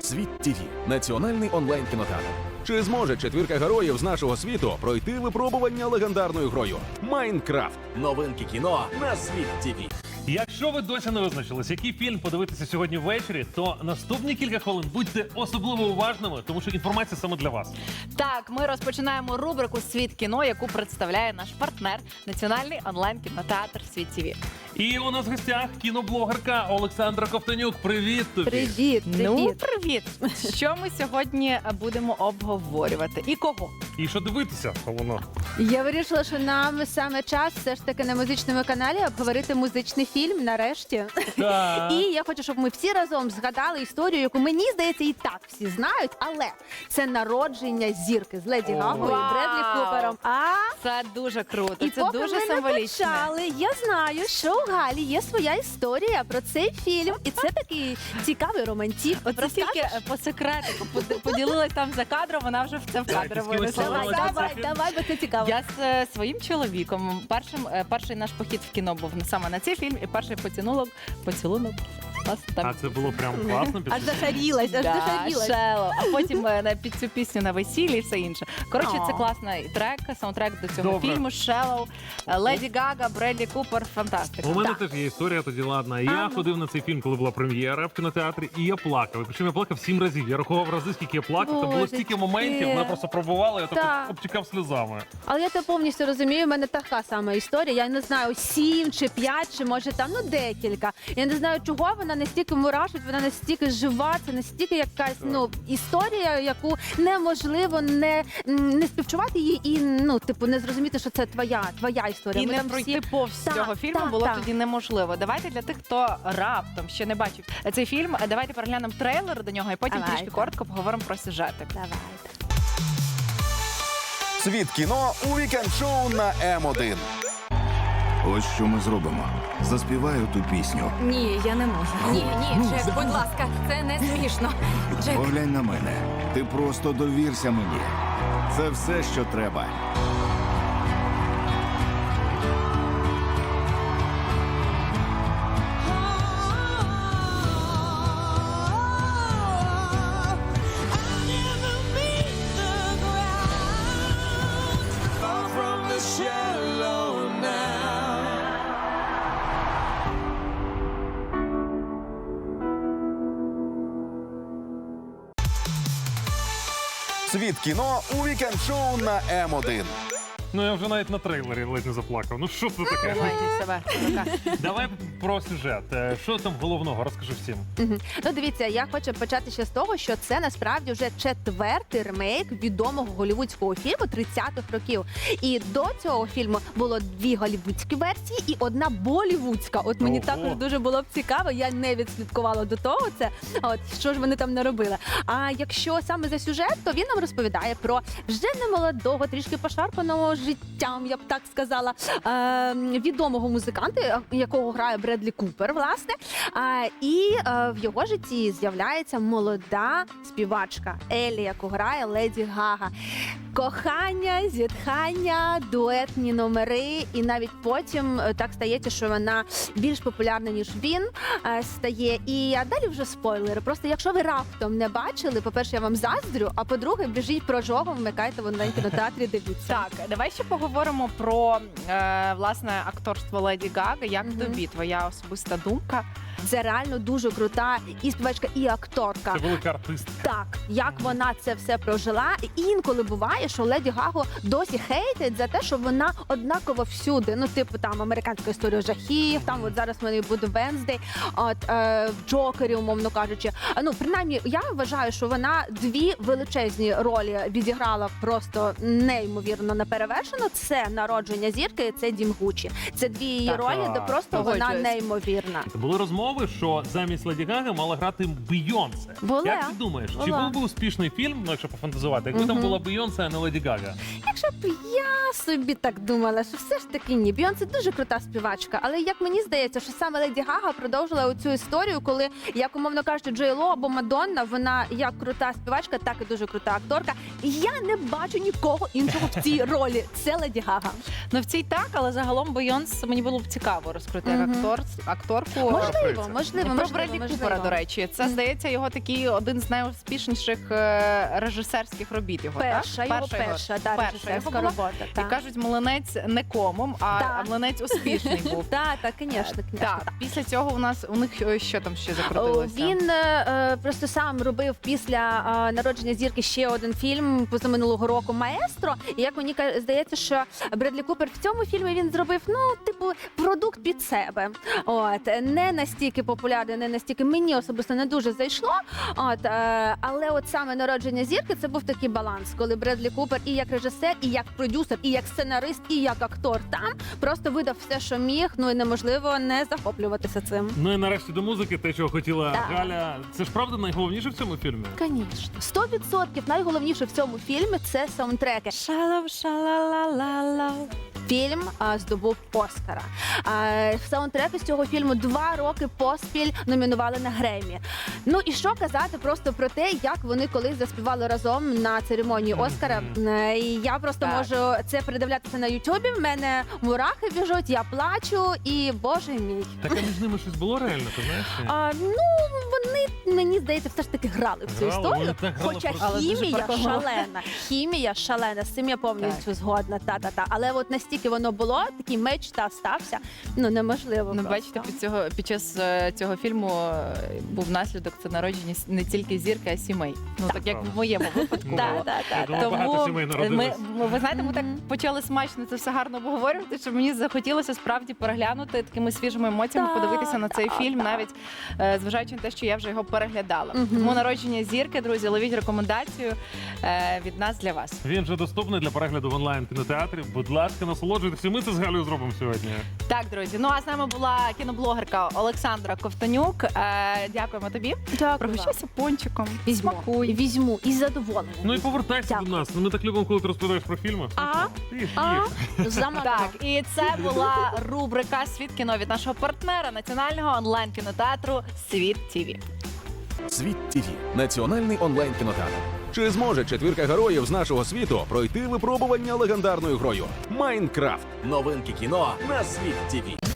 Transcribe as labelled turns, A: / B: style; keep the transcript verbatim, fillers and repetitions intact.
A: Світ ТІВІ – національний онлайн-кінотеатр. Чи зможе четвірка героїв з нашого світу пройти випробування легендарною грою Майнкрафт? Новинки кіно на Світ ТІВІ.
B: Якщо ви досі не визначились, який фільм подивитися сьогодні ввечері, то наступні кілька хвилин будьте особливо уважними, тому що інформація саме для вас.
C: Так, ми розпочинаємо рубрику «Світ кіно», яку представляє наш партнер – національний онлайн-кінотеатр «Світ ТІВІ».
B: І у нас в гостях кіноблогерка Олександра Ковтонюк. Привіт тобі!
D: Привіт, привіт.
C: Ну, привіт! Що ми сьогодні будемо обговорювати? І кого?
B: І що дивитися, головно?
D: Я вирішила, що нам саме час все ж таки на музичному каналі обговорити музичний фільм нарешті.
B: Так.
D: І я хочу, щоб ми всі разом згадали історію, яку, мені здається, і так всі знають, але це народження зірки з Леді Гагою і Бредлі Купером. А
C: Це дуже круто,
D: і
C: це
D: поки
C: дуже
D: ми не
C: символічно.
D: почали, я знаю, що у Галі є своя історія про цей фільм, і це такий цікавий романтик.
C: Оце тільки по секретику под- поділилась там за кадром, вона вже в це в
B: Так,
C: кадр
B: ти з кимось
C: винесла.
D: Давай,
B: Подивилася
D: давай,
B: цей фільм?
D: давай, бо це цікаво.
C: Я з е, своїм чоловіком. Першим, е, перший наш похід в кіно був саме на цей фільм, і перший поцілунок, поцілунок. Нас там
B: А це було прям класно.
D: Аж зашарілась, аж
C: Да,
D: зашарілась.
C: Shallow. А потім е, на- під цю пісню на весіллі і все інше. Коротше, це
D: О.
C: класний трек, саундтрек до цього
B: Добре.
C: фільму. Shallow, е, Леді Гага, Бредлі Купер. Фантастика.
B: У мене
C: Так.
B: теж є історія тоді ладна. Я
D: Ага.
B: ходив на цей фільм, коли була прем'єра в кінотеатрі, і я плакав. І причому я плакав сім разів. Я рахував рази, скільки я плакав. Там було
D: Боже,
B: стільки
D: ти.
B: моментів, мене просто пробувало, я так
D: Так.
B: обтікав сльозами.
D: Але я тебе повністю розумію, в мене така сама історія. Я не знаю, сім чи п'ять, чи може там ну декілька. Я не знаю, чого вона настільки мурашить, вона настільки жива, це настільки якась ну історія, яку неможливо не, м, не співчувати її і ну, типу, не зрозуміти, що це твоя, твоя історія.
C: І
D: Ми
C: не
D: там
C: пройти
D: всі...
C: повз
D: Так,
C: цього фільму
D: так,
C: було
D: так.
C: тоді неможливо. Давайте для тих, хто раптом ще не бачив цей фільм, давайте переглянемо трейлер до нього і потім
D: Давайте.
C: трішки коротко поговоримо про сюжетик.
D: Давайте.
A: Світ кіно у вікенд-шоу на М один.
E: Ось що ми зробимо. Заспіваю ту пісню.
F: Ні, я не можу. Ні, ні, Джек, будь ласка, це не смішно. Джек,
E: Поглянь на мене. Ти просто довірся мені. Це все, що треба.
A: Світ кіно у вікенд-шоу на М один.
B: Ну я вже навіть на трейлері ледь не заплакав. Ну що це таке?
C: Тримайте себе в руках.
B: Давай про сюжет. Е, Що там головного? Розкажи всім.
D: Мгм. Ну, дивіться, я хочу почати ще з того, що це насправді вже четвертий ремейк відомого голівудського фільму тридцятих років. І до цього фільму було дві голівудські версії і одна болівудська. От мені
B: Ого.
D: також дуже було б цікаво, я не відслідкувала до того це. От що ж вони там наробили. А якщо саме за сюжет, то він нам розповідає про вже немолодого, трішки пошарпаного життям, я б так сказала, е, відомого музиканта, якого грає Бредлі Купер, власне. А, і е, в його житті з'являється молода співачка Елі, яку грає Леді Гага. Кохання, зітхання, дуетні номери, і навіть потім е, так стається, що вона більш популярна, ніж він е, стає. І а далі вже спойлери. Просто якщо ви раптом не бачили, по-перше, я вам заздрю, а по-друге, біжіть прожогом, вмикайте в онлайн-кінотеатрі, дивіться.
C: Так, давай ще поговоримо про е, власне акторство Леді Гаги. Як
D: Мгм.
C: тобі твоя особиста думка?
D: Це реально дуже крута і співачка, і акторка.
B: Це велика артистка.
D: Так, як вона це все прожила. І інколи буває, що Леді Гагу досі хейтять за те, що вона однаково всюди. Ну, типу, там американська історія жахів, там от зараз в мене буде Венздей, от е, в Джокері, умовно кажучи. А, Ну, принаймні, я вважаю, що вона дві величезні ролі відіграла просто неймовірно наперевершено. Це народження зірки, і це Дім Гуччі. Це дві її
C: Так,
D: ролі, де
B: так,
D: просто вона
C: погоджуюсь.
D: неймовірна.
B: Були розмови, що замість Леді Гаги мала грати Бейонсе.
D: Була.
B: Як ти думаєш, чи
D: Була.
B: був би успішний фільм, ну якщо пофантазувати, якби там
D: Мгм.
B: була Бейонсе, а не Леді Гага?
D: Якщо б я собі так думала, що все ж таки ні. Бейонсе дуже крута співачка, але як мені здається, що саме Леді Гага продовжила оцю історію, коли, як умовно кажучи, Джей Ло або Мадонна, вона як крута співачка, так і дуже крута акторка. І я не бачу нікого іншого в цій ролі. Це Леді
C: Ну в цій так, але загалом Бейонс мені було б цікаво розкрити як
D: Мгм.
C: актор, акторку.
D: Можливо,
B: подобається.
D: можливо,
C: Про
D: можливо,
C: Бредлі
D: можливо.
C: Купера, до речі, це здається його такий один з найуспішніших е, режисерських робіт. Його
D: Перша,
C: так?
D: його перша, да,
C: перша
D: режисерська
C: його була.
D: робота.
C: І
D: так.
C: кажуть, млинець не комом, а,
D: Так.
C: а млинець успішний був.
D: Так, так, звісно, звісно.
C: Так, після цього у нас у них е, що там ще закрутилося?
D: Він е, е, просто сам робив після е, народження зірки ще один фільм позаминулого року «Маестро». І як мені ка- здається, що Бредлі Купер в цьому фільмі він зробив, ну, типу, продукт під себе. От не настільки популярний, не настільки мені особисто не дуже зайшло. От, е, але от саме народження зірки це був такий баланс, коли Бредлі Купер і як режисер, і як продюсер, і як сценарист, і як актор там просто видав все, що міг. Ну і неможливо не захоплюватися цим.
B: Ну і нарешті до музики, те, чого хотіла
D: Так.
B: Галя. Це ж правда найголовніше в цьому фільмі?
D: Звісно, сто відсотків найголовніше в цьому фільмі це саундтреки.
C: Шалав, шалалалала.
D: Фільм а, здобув Оскара. А, саундтреки з цього фільму два роки поспіль номінували на Греммі. Ну і що казати просто про те, як вони колись заспівали разом на церемонії Оскара. Е, І я просто
C: Так.
D: можу це передивлятися на Ютубі. В мене мурахи біжуть, я плачу, і боже мій.
B: Так а між ними щось було реально, ти знаєш? чи ні?
D: А, ну вони мені здається, все ж таки грали в цю
B: Грали,
D: історію.
B: вони так грали
D: Хоча
B: просто.
C: Але дуже
D: хімія
C: прикольно.
D: шалена, хімія шалена. З цим я повністю згодна. Та та та. Але от настільки воно було, такий меч та стався. Ну неможливо.
C: Ну,
D: просто.
C: бачите, під цього під час е, цього фільму е, був наслідок це народження с- не тільки зірки, а сімей. Ну так як
B: Правда.
C: в моєму випадку
B: Ну,
C: було.
D: Та, та,
B: я
D: та.
B: думав, багато
C: Тому
B: сімей
C: ми,
B: народилось.
C: ми- ви знаєте, ми так
D: Мгм.
C: почали смачно це все гарно обговорювати, що мені захотілося справді переглянути такими свіжими емоціями,
D: Так,
C: подивитися на цей
D: так,
C: фільм,
D: так.
C: навіть е, зважаючи на те, що я вже його переглядала.
D: Мгм.
C: Тому народження зірки, друзі, ловіть рекомендацію е, від нас для вас.
B: Він вже доступний для перегляду в онлайн кінотеатрі. Будь ласка, насолоджуйтесь. І ми це з Галею зробимо сьогодні.
C: Так, друзі. Ну а з нами була кіноблогерка Олександра Ковтонюк. Е, дякуємо тобі.
D: Дякую.
C: Пригощайся пончиком.
D: Візьму.
C: Смакуй.
D: Візьму і задоволена.
B: Ну і повертайся
D: Дякую.
B: до нас. Ми так любимо, коли ти розповідаєш про фільми.
D: А?
B: Їж,
D: А?
B: їж.
D: Замовляю.
C: Так, і це була рубрика Світ кіно від нашого партнера національного онлайн кінотеатру Світ ТІВІ.
A: Світ ТІВІ – національний онлайн кінотеатр. Чи зможе четвірка героїв з нашого світу пройти випробування легендарною грою Майнкрафт? Новинки кіно на Світ ТІВІ.